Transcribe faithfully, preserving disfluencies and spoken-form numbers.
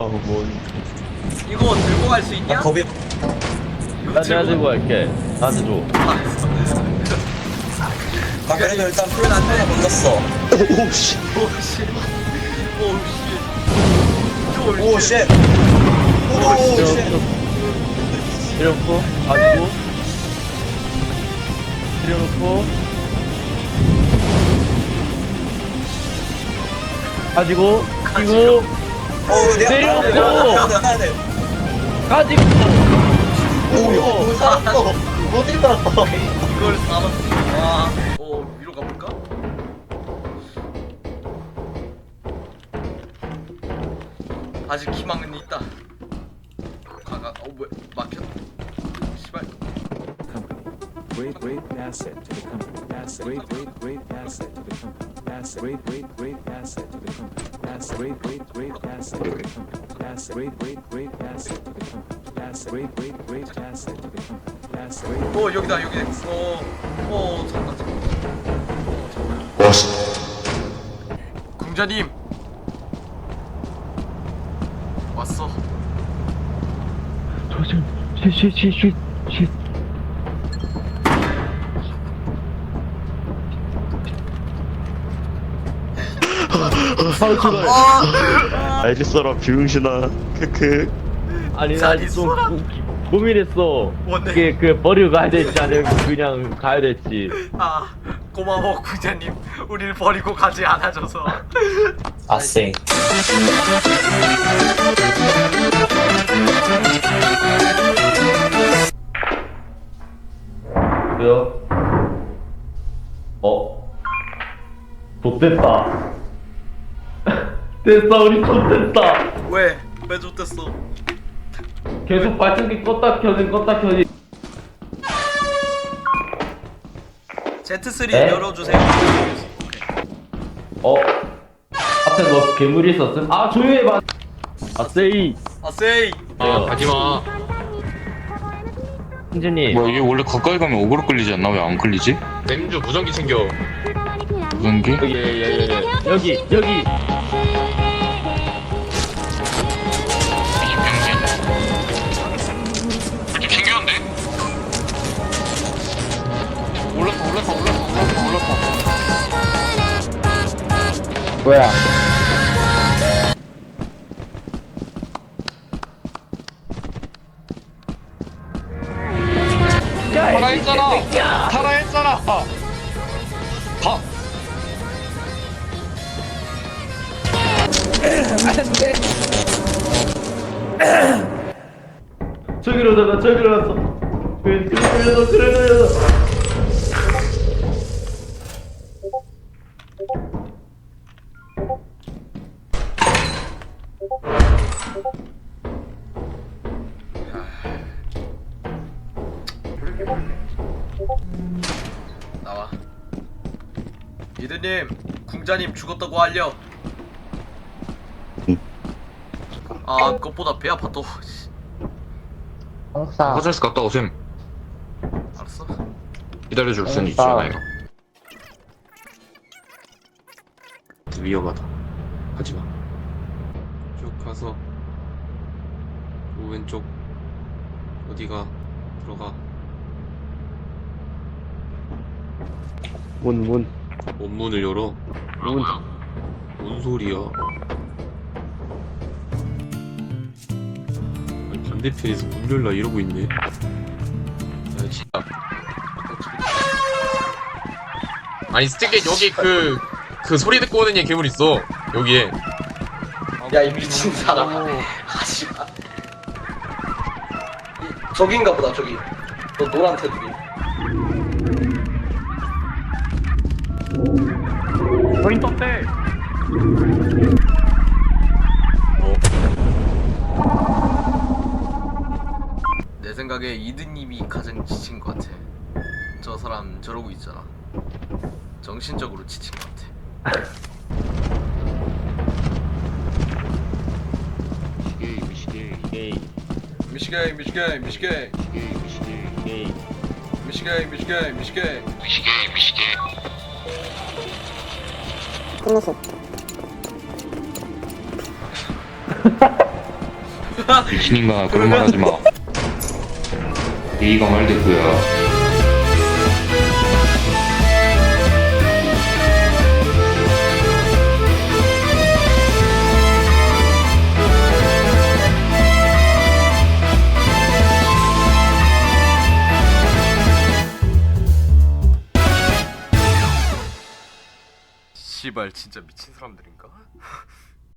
뭐, 이거 들고 갈 수 있냐? 겁이 이거 나 내가 들고 갈게. 나한테 줘. 알았어. 아 그래도 일단 그건 안 돼. 건졌어. 오씨. 오씨. 오씨. 오씨. 오씨. 때려놓고, 가지고, 때려놓고, 가지고, 가지고, 어 내가 내려놓고. 해야 돼 해야 돼. 가지고. 오 살았어. 어디 살았어? 이걸 살았어. 와. 어 위로 가볼까? 아직 희망은 있다. 가가. 어 뭐야? 막혔. 씨발. Great, great asset to the company. Asset, great, great, great asset to the company. Asset, great, great, great asset to the company. Asset, great, great, great asset to the company. Asset, great, great, great asset to the company. Asset, great, great, great asset to the company. Asset, great. 어 여기다 여기. 어. 어 잠깐 잠깐. 어 잠깐. 오씨. 궁자님. 왔어. 조심, 쉿, 쉿, 쉿, 쉿, 쉿. 파우치가. 알겠어라 비응신아 크크. 아니, 잘 나좀 있어라. 고민했어. 뭔데? 그게 그 버리고 가야 될지 아니면 그냥 가야 될지. 아 고마워 궁자님. 우리를 버리고 가지 않아줘서. 아쌩. 그래요? 어? 좆됐다. 됐어, 우리 좆됐다. 왜? 왜 좋댔어? 계속 발전기 껐다 켜진 껐다 켜진. 제트쓰리 에? 열어주세요. 어? 앞에 뭐 괴물이 있었음? 아, 조용히 해봐. 아, 세이. 아세이. 아, 가지마. 승진님. 뭐야, 이게 원래 가까이 가면 어그로 끌리지 않나? 왜 안 끌리지? 램주 무전기 챙겨. 무전기? 여기, 예, 예, 예. 여기, 여기. 챙겼는데? 올랐다, 올랐다, 올랐다, 올랐다, 올랐다. 뭐야? 타라 했잖아! 타라 했잖아! 가! 저기로 잡아, 저기로 갔어. 그래, 그래, 돌려서, 그래, 돌려서. 나와. 이드님, 궁자님 죽었다고 알려. 아, 그것보다 배 아파 또. 씨, 화장실 갔다 오셈. 알았어. 기다려줄 순 있잖아, 이거. 위험하다. 하지마. 쭉 가서 그 왼쪽 어디가 들어가. 문 문. 원문을 열어. 문. 뭔 소리야? 아니, 반대편에서 문 열라 이러고 있네. 야, 진짜. 아니 스틱에 여기 그, 그 소리 듣고 오는 얘 괴물 있어. 여기에. 야, 이 미친 사람. 하지 마. 저긴가 보다, 저기. 너 노란 테두리. 거인 떴대. 내 생각에 이드님이 가장 지친 것 같아. 저 사람 저러고 있잖아. 정신적으로 지친 것 같아. 미시게, 미시게, 게이, 미시게, 미시게, 미시게, 미시게, 게이. 미시게, 미시게, 미시게. 미시게, 미시게. 끝났어. 미친인가 그런 말 하지 마. 예의가 말됐고요. 씨발 진짜 미친 사람들인가?